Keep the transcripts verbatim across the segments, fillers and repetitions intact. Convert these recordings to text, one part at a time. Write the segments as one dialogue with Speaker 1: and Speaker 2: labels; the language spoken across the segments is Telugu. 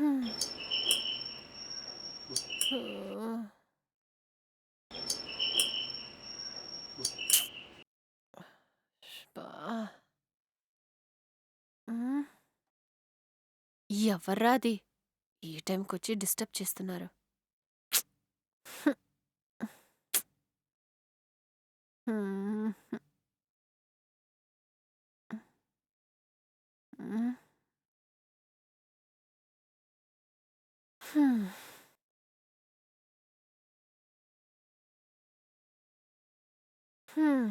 Speaker 1: హ్మ్. ఓహ్! అబ్బా! హ్మ్. ఎవర్రా అది? ఈ టైంకొచ్చి డిస్టర్బ్ చేస్తున్నారు. హ్మ్. హ్మ్. హ్మ్. హ్మ్.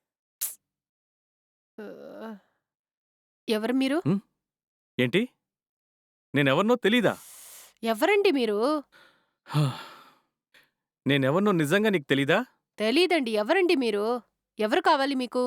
Speaker 1: ఆహ్, ఎవరు మీరు?
Speaker 2: హ్మ్. ఏంటి? నేనెవరినో తెలీదా?
Speaker 1: ఎవరండి మీరు?
Speaker 2: నేనెవరినో నిజంగా నీకు తెలీదా?
Speaker 1: తెలీదండి. ఎవరండి మీరు? ఎవరు కావాలి మీకు?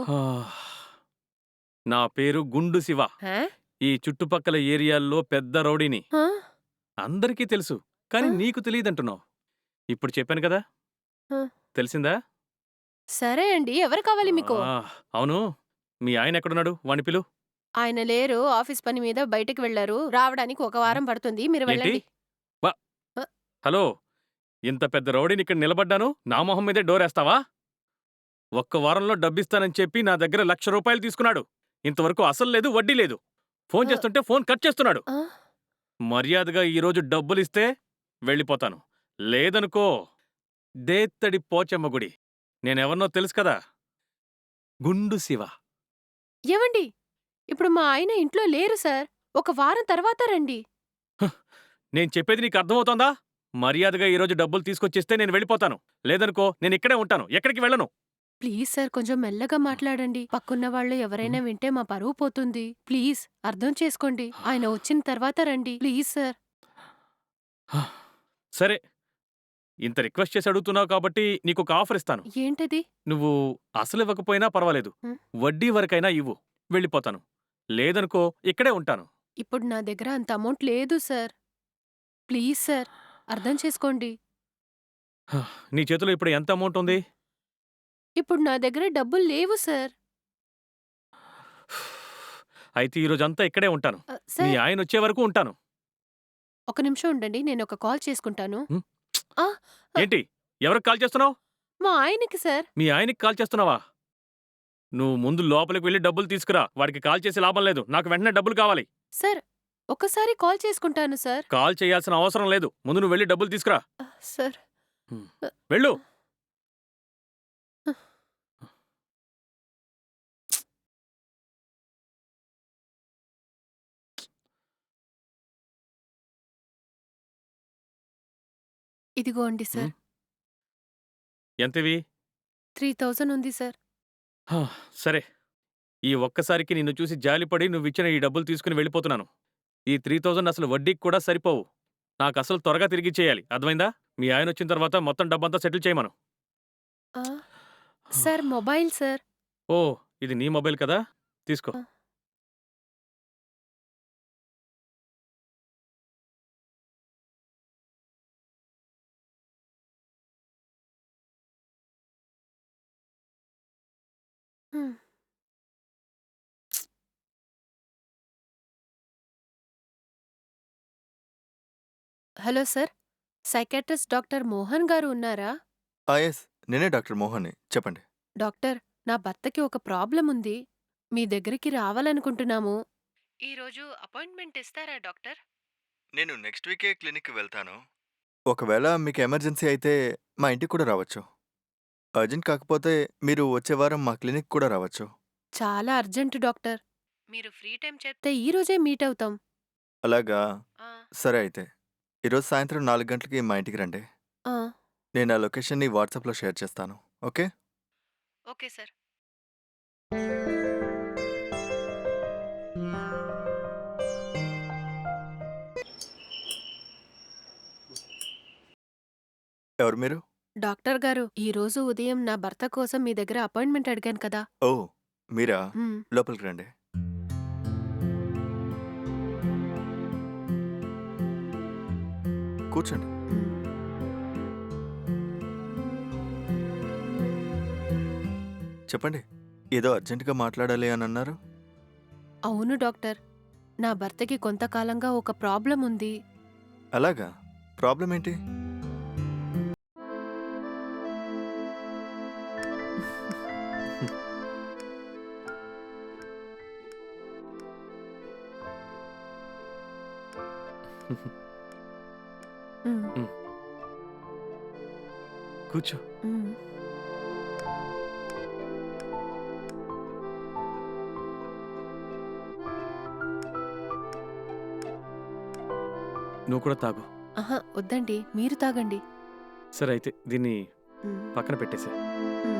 Speaker 2: నా పేరు గుండు శివ.
Speaker 1: హా?
Speaker 2: ఈ చుట్టుపక్కల ఏరియాల్లో పెద్ద రౌడీని.
Speaker 1: ఆ?
Speaker 2: అందరికీ తెలుసు. కానీ
Speaker 1: ఆ?
Speaker 2: నీకు తెలీదంటున్నావు. ఇప్పుడు చెప్పాను కదా!
Speaker 1: ఆ!
Speaker 2: తెలిసిందా?
Speaker 1: సరే అండి. ఎవరు కావాలి మీకు?
Speaker 2: ఆ! అవును. మీ ఆయనెక్కడున్నాడు? వాడిని పిలు.
Speaker 1: ఆయన లేరు. ఆఫీస్ పని మీద బయటికి వెళ్లారు. రావడానికి ఒక
Speaker 2: హ్మ్.
Speaker 1: వారం పడుతుంది. మీరు
Speaker 2: ఏంటి?
Speaker 1: వెళ్ళండి.
Speaker 2: వ
Speaker 1: అ!
Speaker 2: హలో! ఇంత పెద్ద రౌడీని ఇక్కడ నిలబడ్డాను. నా మొహం మీదే డోరేస్తావా? ఒక్క వారంలో డబ్బిస్తానని చెప్పి నా దగ్గర లక్ష రూపాయలు తీసుకున్నాడు. ఇంతవరకు అసలు లేదు, వడ్డీ లేదు. ఫోను
Speaker 1: అ!
Speaker 2: చేస్తుంటే ఫోను కట్ చేస్తున్నాడు.
Speaker 1: ఆ!
Speaker 2: మర్యాదగా ఈరోజు డబ్బులిస్తే వెళ్ళిపోతాను. లేదనుకో దేత్తడి పోచమ్మ గుడి. నేనెవరినో తెలుసు కదా! గుండు శివ.
Speaker 1: ఏవండి? ఇప్పుడు మా ఆయన ఇంట్లో లేరు సార్. ఒక వారం తర్వాత రండి.
Speaker 2: నేను చెప్పేది నీకు అర్థమవుతోందా? మర్యాదగా ఈరోజు డబ్బులు తీసుకొచ్చిస్తే నేను వెళ్ళిపోతాను. లేదనుకో నేనిక్కడే ఉంటాను. ఎక్కడికి వెళ్ళను.
Speaker 1: ప్లీజ్ సార్ కొంచెం మెల్లగా మాట్లాడండి. పక్కున్న వాళ్ళు ఎవరైనా
Speaker 2: హ్మ్.
Speaker 1: వింటే మా పరువు పోతుంది. ప్లీజ్ అర్థం చేసుకోండి. ఆయన వచ్చిన తర్వాత రండి. Please sir.
Speaker 2: సరే. ఇంత రిక్వెస్ట్ చేసి అడుగుతున్నావు కాబట్టి నీకొక ఆఫర్ ఇస్తాను.
Speaker 1: ఏంటది?
Speaker 2: నువ్వు అసలివ్వకపోయినా పర్వాలేదు.
Speaker 1: హ్మ్.
Speaker 2: వడ్డీ వరకైనా ఇవ్వు. వెళ్ళిపోతాను. లేదనుకో ఇక్కడే ఉంటాను.
Speaker 1: ఇప్పుడు నా దగ్గర అంత అమౌంట్ లేదు సార్. ప్లీజ్ సార్ అర్థం చేసుకోండి.
Speaker 2: నీ చేతిలో ఇప్పుడు ఎంత అమౌంట్ ఉంది?
Speaker 1: ఇప్పుడు నా దగ్గర డబ్బులు లేవు సార్.
Speaker 2: అయితే ఈరోజంతా ఇక్కడే ఉంటాను.
Speaker 1: ఆహ్,
Speaker 2: మీ
Speaker 1: సార్
Speaker 2: ఆయనొచ్చే వరకు ఉంటాను.
Speaker 1: ఒక నిమిషం ఉండండి. నేనొక కాల్ చేసుకుంటాను.
Speaker 2: హ్మ్.
Speaker 1: ఆ! అ
Speaker 2: ఏంటి? ఎవరికి కాల్ చేస్తున్నావు?
Speaker 1: మా ఆయనకి సార్.
Speaker 2: మీ ఆయనకి కాల్ చేస్తున్నావా? నువ్వు ముందు లోపలికి వెళ్లి డబ్బులు తీసుకురా. వాడికి కాల్ చేసి లాభం లేదు. నాకు వెంటనే డబ్బులు కావాలి.
Speaker 1: సార్ ఒక్కసారి కాల్ చేసుకుంటాను సార్.
Speaker 2: కాల్ చేయాల్సిన అవసరం లేదు. ముందు నువ్వు వెళ్లి డబ్బులు తీసుకురా.
Speaker 1: ఆహ్, సార్.
Speaker 2: హ్మ్.
Speaker 1: అ
Speaker 2: వెళ్ళు.
Speaker 1: ఆహ్, ఇదిగోండి
Speaker 2: హ్మ్.
Speaker 1: సార్.
Speaker 2: ఎంతివి?
Speaker 1: మూడు వేలు ఉంది సార్.
Speaker 2: హా! సరే. ఈ ఒక్కసారికి నిన్ను చూసి జాలిపడి నువ్విచ్చిన ఈ డబ్బులు తీసుకుని వెళ్ళిపోతున్నాను. ఈ మూడు వేలు అసలు వడ్డీకి కూడా సరిపోవు. నాకసలు త్వరగా తిరిగిచ్చేయాలి. అర్థమైందా? మీ ఆయనొచ్చిన తర్వాత మొత్తం డబ్బంతా సెటిల్ చేయమను.
Speaker 1: ఆ! Sir mobile sir.
Speaker 2: ఓహ్! ఇది నీ మొబైల్ కదా! తీసుకో.
Speaker 1: ఆ! హ్మ్. Hello sir. Psychiatrist doctor Mohan garu ఉన్నారా?
Speaker 3: ఆ! యెస్. నేనే డాక్టర్ మోహన్‌ని. చెప్పండి.
Speaker 1: డాక్టర్, నా భర్తకి ఒక ప్రాబ్లమ్ ఉంది. మీ దగ్గరికి రావాలనుకుంటున్నాము. ఈరోజు అపాయింట్మెంట్ ఇస్తారా డాక్టర్?
Speaker 3: నేను నెక్స్ట్ వీకే క్లినిక్‌కి వెళ్తాను. ఒకవేళ మీకు ఎమర్జెన్సీ అయితే మా ఇంటికి కూడా రావచ్చు. అర్జెంట్ కాకపోతే మీరు వచ్చే వారం మా క్లినిక్ కూడా రావచ్చు.
Speaker 1: చాలా అర్జెంట్ డాక్టర్. మీరు ఫ్రీ టైం చెప్తే ఈ రోజే మీట్ అవుతాం.
Speaker 3: అలాగా?
Speaker 1: ఆ!
Speaker 3: సరే అయితే. ఈరోజు సాయంత్రం నాలుగు గంటలకి మా ఇంటికి రండి.
Speaker 1: ఆ!
Speaker 3: నేను ఆ లొకేషన్‌ని వాట్సాప్‌లో షేర్ చేస్తాను. ఓకే?
Speaker 1: Okay sir.
Speaker 3: ఎవరు మీరు?
Speaker 1: డాక్టర్ గారు, ఈరోజు ఉదయం నా భర్త కోసం మీ దగ్గర అపాయింట్మెంట్ అడిగాను కదా!
Speaker 3: ఓహ్! మీరా?
Speaker 1: హ్మ్.
Speaker 3: లోపలికి రండి. కూర్చోండి.
Speaker 1: హ్మ్.
Speaker 3: చెప్పండి. ఏదో అర్జెంట్‌గా మాట్లాడాలి అనన్నారు?
Speaker 1: అవును డాక్టర్. నా భర్తకి కొంతకాలంగా ఒక ప్రాబ్లమ్ ఉంది.
Speaker 3: అలాగా? ప్రాబ్లమ్ ఏంటి?
Speaker 1: హ్మ్.
Speaker 2: హ్మ్. కూర్చో.
Speaker 1: హ్మ్.
Speaker 2: నువ్వు కూడా తాగు.
Speaker 1: అహా! వద్దండి. మీరు తాగండి.
Speaker 2: సరే అయితే దీన్ని
Speaker 1: హ్మ్.
Speaker 2: పక్కన పెట్టేసేయ్.
Speaker 1: హ్మ్.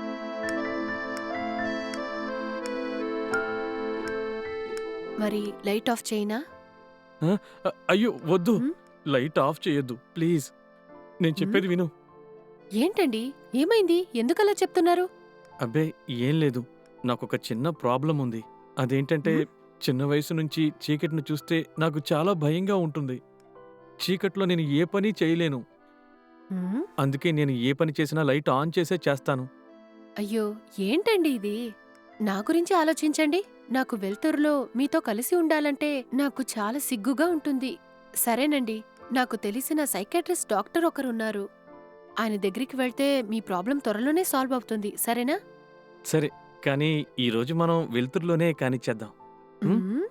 Speaker 1: మరి లైట్ ఆఫ్ చేయనా?
Speaker 2: ఆ! అ అయ్యో! వద్దు.
Speaker 1: హ్మ్.
Speaker 2: లైట్ ఆఫ్ చేయొద్దు. ప్లీజ్. నేను
Speaker 1: హ్మ్.
Speaker 2: చెప్పేది విను.
Speaker 1: ఏంటండి? ఏమైంది? ఎందుకలా చెప్తున్నారు?
Speaker 2: అబ్బే! ఏం లేదు. నాకొక చిన్న ప్రాబ్లమ్ ఉంది. అదేంటంటే
Speaker 1: హ్మ్.
Speaker 2: చిన్న వయసు నుంచి చీకటిని చూస్తే నాకు చాలా భయంగా ఉంటుంది. చీకట్లో నేను ఏ పని చేయలేను.
Speaker 1: హ్మ్.
Speaker 2: అందుకే నేను ఏ పని చేసినా లైట్ ఆన్ చేసే చేస్తాను.
Speaker 1: అయ్యో! ఏంటండి ఇది? నా గురించి ఆలోచించండి. నాకు వెలుతురులో మీతో కలిసి ఉండాలంటే నాకు చాలా సిగ్గుగా ఉంటుంది. సరేనండి. నాకు తెలిసిన సైకియాట్రిస్ట్ డాక్టర్ ఒకరున్నారు. ఆయన దగ్గరికి వెళ్తే మీ ప్రాబ్లం త్వరలోనే సాల్వ్ అవుతుంది. సరేనా?
Speaker 2: సరే. కానీ ఈరోజు మనం వెలుతురులోనే కానిచ్చేద్దాం. హ్మ్?
Speaker 1: హ్మ్.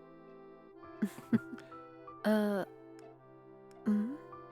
Speaker 1: ఆహ్, హ్మ్.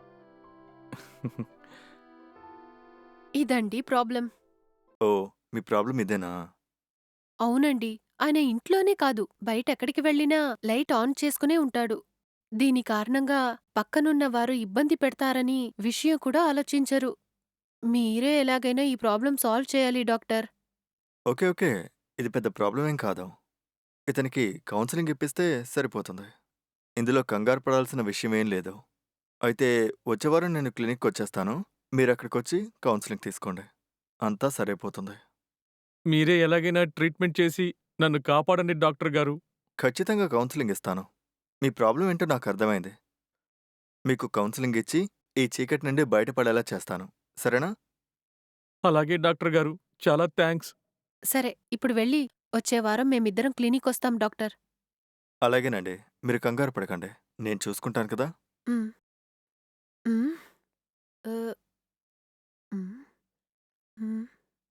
Speaker 1: ఇదండి ప్రాబ్లం.
Speaker 3: ఓహ్! మీ ప్రాబ్లమ్ ఇదేనా?
Speaker 1: అవునండి. ఆయన ఇంట్లోనే కాదు, బయటెక్కడికి వెళ్ళినా లైట్ ఆన్ చేసుకునే ఉంటాడు. దీని కారణంగా పక్కనున్న వారు ఇబ్బంది పెడతారని విషయం కూడా ఆలోచించరు. మీరే ఎలాగైనా ఈ ప్రాబ్లం సాల్వ్ చేయాలి డాక్టర్.
Speaker 3: ఓకే. ఓకే. ఇది పెద్ద ప్రాబ్లమ్ ఏం కాదు. ఇతనికి కౌన్సెలింగ్ ఇప్పిస్తే సరిపోతుంది. ఇందులో కంగారు పడాల్సిన విషయం ఏం లేదు. అయితే వచ్చే వారం నేను క్లినిక్‌కొచ్చేస్తాను. మీరక్కడికొచ్చి కౌన్సెలింగ్ తీసుకోండి. అంతా సరైపోతుంది.
Speaker 2: మీరే ఎలాగైనా ట్రీట్మెంట్ చేసి నన్ను కాపాడండి డాక్టర్ గారు.
Speaker 3: ఖచ్చితంగా కౌన్సెలింగ్ ఇస్తాను. మీ ప్రాబ్లమ్ ఏంటో నాకర్థమైంది. మీకు కౌన్సెలింగ్ ఇచ్చి, ఈ చీకటి నుండి బయటపడేలా చేస్తాను. సరేనా?
Speaker 2: అలాగే డాక్టర్ గారు. చాలా థాంక్స్.
Speaker 1: సరే, ఇప్పుడు వెళ్ళి వచ్చే వారం మేమిద్దరం క్లినికొస్తాం డాక్టర్.
Speaker 3: అలాగేనండి. మీరు కంగారు పడకండి. నేను చూసుకుంటాను కదా!
Speaker 1: హ్మ్. హ్మ్. ఆహ్, హ్మ్. హ్మ్.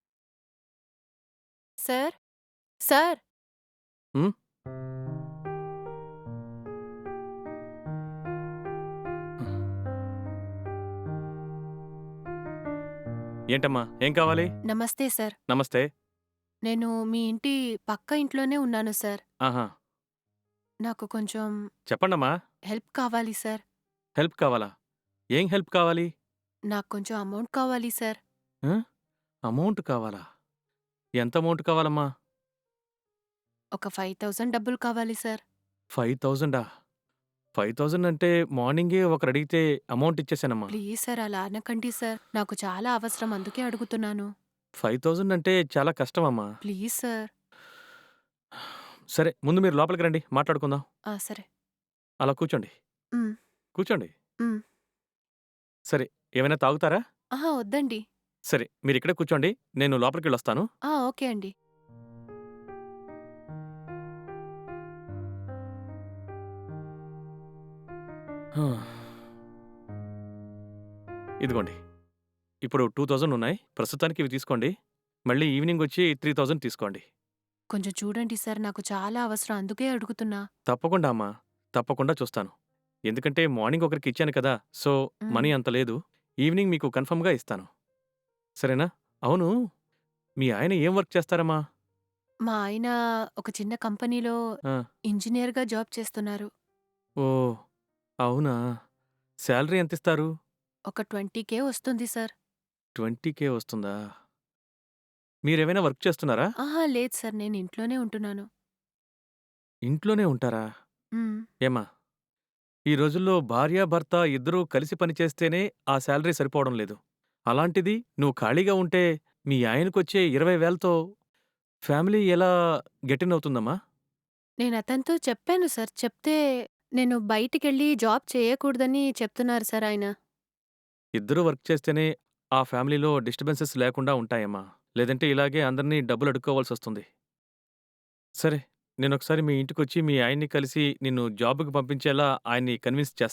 Speaker 1: సార్? సార్?
Speaker 2: హ్మ్? ఏంటమ్మా? ఏం కావాలి?
Speaker 1: నమస్తే సార్.
Speaker 2: నమస్తే.
Speaker 1: నేను మీ ఇంటి పక్క ఇంట్లోనే ఉన్నాను సార్.
Speaker 2: ఆహా!
Speaker 1: నాకు కొంచెం
Speaker 2: చెప్పండమ్మా.
Speaker 1: హెల్ప్ కావాలి సార్.
Speaker 2: హెల్ప్ కావాలా? ఏం హెల్ప్ కావాలి?
Speaker 1: నాకు కొంచెం అమౌంట్ కావాలి సార్.
Speaker 2: ఆ! అమౌంట్ కావాలా? ఎంత అమౌంట్ కావాలమ్మా?
Speaker 1: ఒక ఐదు వేలు డబ్బులు కావాలి సార్.
Speaker 2: ఐదు వేలా? ఐదు వేలు అంటే మార్నింగే ఒకరడిగితే అమౌంట్ ఇచ్చేసానమ్మా.
Speaker 1: ప్లీజ్ సార్ అలా అనకండి సార్. నాకు చాలా అవసరం అందుకే అడుగుతున్నాను.
Speaker 2: ఐదు వేలు అంటే చాలా కష్టమమ్మా.
Speaker 1: Please sir.
Speaker 2: సరే ముందు మీరు లోపలికి రండి మాట్లాడుకుందాం.
Speaker 1: ఆ! సరే.
Speaker 2: అలా కూర్చోండి.
Speaker 1: హ్మ్.
Speaker 2: కూర్చోండి.
Speaker 1: హ్మ్.
Speaker 2: సరే ఏమైనా తాగుతారా?
Speaker 1: అహా! వద్దండి.
Speaker 2: సరే మీరిక్కడే కూర్చోండి. నేను లోపలికెళ్ళొస్తాను.
Speaker 1: ఆ! ఓకే అండి.
Speaker 2: హా! ఇదిగోండి. ఇప్పుడు రెండు వేలు ఉన్నాయి. ప్రస్తుతానికి ఇవి తీసుకోండి. మళ్ళీ ఈవినింగొచ్చి మూడు వేలు తీసుకోండి.
Speaker 1: కొంచెం చూడండి సార్. నాకు చాలా అవసరం అందుకే అడుగుతున్నా.
Speaker 2: తప్పకుండా అమ్మా. తప్పకుండా చూస్తాను. ఎందుకంటే మార్నింగ్ ఒకరికిచ్చాను కదా! సో,
Speaker 1: హ్మ్.
Speaker 2: మనీ అంత లేదు. ఈవినింగ్ మీకు కన్ఫర్మ్‌గా ఇస్తాను. సరేనా? అవును. మీ ఆయన ఏం వర్క్ చేస్తారమ్మా?
Speaker 1: మా ఆయన ఒక చిన్న కంపెనీలో
Speaker 2: ఆ!
Speaker 1: ఇంజినీర్‌గా జాబ్ చేస్తున్నారు.
Speaker 2: ఓహ్! అవునా? శాలరీ ఎంతిస్తారు?
Speaker 1: ఒక ఇరవై వేలు వస్తుంది సార్.
Speaker 2: ఇరవై వేలు వస్తుందా? మీరేమైనా వర్క్ చేస్తున్నారా?
Speaker 1: అహా! లేదు సార్. నేను ఇంట్లోనే ఉంటున్నాను.
Speaker 2: ఇంట్లోనే ఉంటారా?
Speaker 1: హ్మ్.
Speaker 2: ఏమ్మా! ఈ రోజుల్లో భార్యాభర్త ఇద్దరూ కలిసి పనిచేస్తేనే ఆ శాలరీ సరిపోవడం లేదు. అలాంటిది నువ్వు ఖాళీగా ఉంటే మీ ఆయనకొచ్చే ఇరవై వేలతో ఫ్యామిలీ ఎలా గెటిన్ అవుతుందమ్మా?
Speaker 1: నేనతనితో చెప్పాను సార్. చెప్తే నేను బయటికెళ్ళి జాబ్ చేయకూడదని చెప్తున్నారు సార్ ఆయన.
Speaker 2: ఇద్దరూ వర్క్ చేస్తేనే ఆ ఫ్యామిలీలో డిస్టర్బెన్సెస్ లేకుండా ఉంటాయమ్మా. లేదంటే ఇలాగే అందరినీ డబ్బులు అడుక్కోవాల్సొస్తుంది. సరే, నేనొకసారి మీ ఇంటికొచ్చి మీ ఆయన్ని కలిసి నిన్ను జాబ్‌కి పంపించేలా ఆయన్ని కన్విన్స్ చేస్తాను.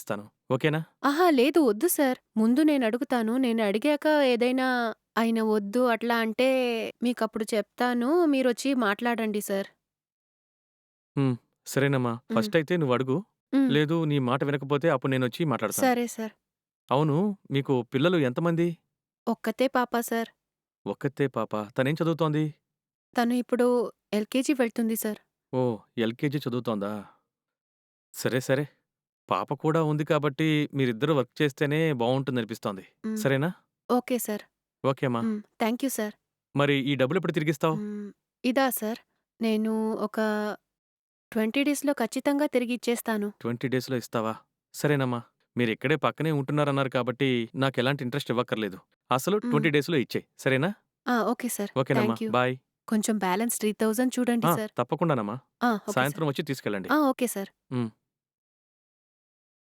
Speaker 2: ఓకేనా?
Speaker 1: ఆహా! లేదు వద్దు సార్. ముందు నేనడుగుతాను. నేనడిగాక ఏదైనా ఆయన వద్దు అట్లా అంటే మీకప్పుడు చెప్తాను. మీరొచ్చి మాట్లాడండి సార్.
Speaker 2: హ్మ్. సరేనమ్మా.
Speaker 1: హ్మ్.
Speaker 2: ఫస్టయితే నువ్వడుగు.
Speaker 1: హ్మ్.
Speaker 2: లేదు నీ మాట వినకపోతే అప్పుడు నేనొచ్చి మాట్లాడతాను.
Speaker 1: సరే సార్.
Speaker 2: అవును, మీకు పిల్లలు ఎంతమంది?
Speaker 1: ఒక్కతే పాప సార్.
Speaker 2: ఒక్కతే పాప. తనేం చదువుతోంది?
Speaker 1: తను ఇప్పుడు ఎల్‌కేజీ వెళ్తుంది సార్.
Speaker 2: ఓహ్! ఎల్‌కేజీ చదువుతోందా? సరే, సరే. పాప కూడా ఉంది కాబట్టి మీరిద్దరూ వర్క్ చేస్తేనే బావుంటుందనిపిస్తోంది.
Speaker 1: హ్మ్.
Speaker 2: సరేనా?
Speaker 1: Okay sir.
Speaker 2: ఓకే అమ్మా.
Speaker 1: హ్మ్. Thank you sir.
Speaker 2: మరి ఈ డబ్బులెప్పుడు తిరిగిస్తావు?
Speaker 1: హ్మ్. ఇదా సార్? నేను ఒక ఇరవై డేస్‌లో ఖచ్చితంగా తిరిగిచ్చేస్తాను.
Speaker 2: ఇరవై డేస్‌లో ఇస్తావా? సరేనమ్మా. మీరిక్కడే పక్కనే ఉంటున్నారన్నారు కాబట్టి నాకెలాంటి ఇంట్రెస్ట్ ఇవ్వక్కర్లేదు. అసలు
Speaker 1: హ్మ్.
Speaker 2: ఇరవై డేస్‌లో ఇచ్చేయి. సరేనా?
Speaker 1: ఆ! Okay sir.
Speaker 2: ఓకేనమ్మా.
Speaker 1: Thank you.
Speaker 2: బాయ్.
Speaker 1: కొంచెం బ్యాలెన్స్ మూడు వేలు చూడండి
Speaker 2: ఆ!
Speaker 1: సార్.
Speaker 2: తప్పకుండానమ్మా.
Speaker 1: ఆ! Okay sir.
Speaker 2: సాయంత్రం వచ్చి తీసుకెళ్ళండి.
Speaker 1: ఆ! Okay sir.
Speaker 2: హ్మ్.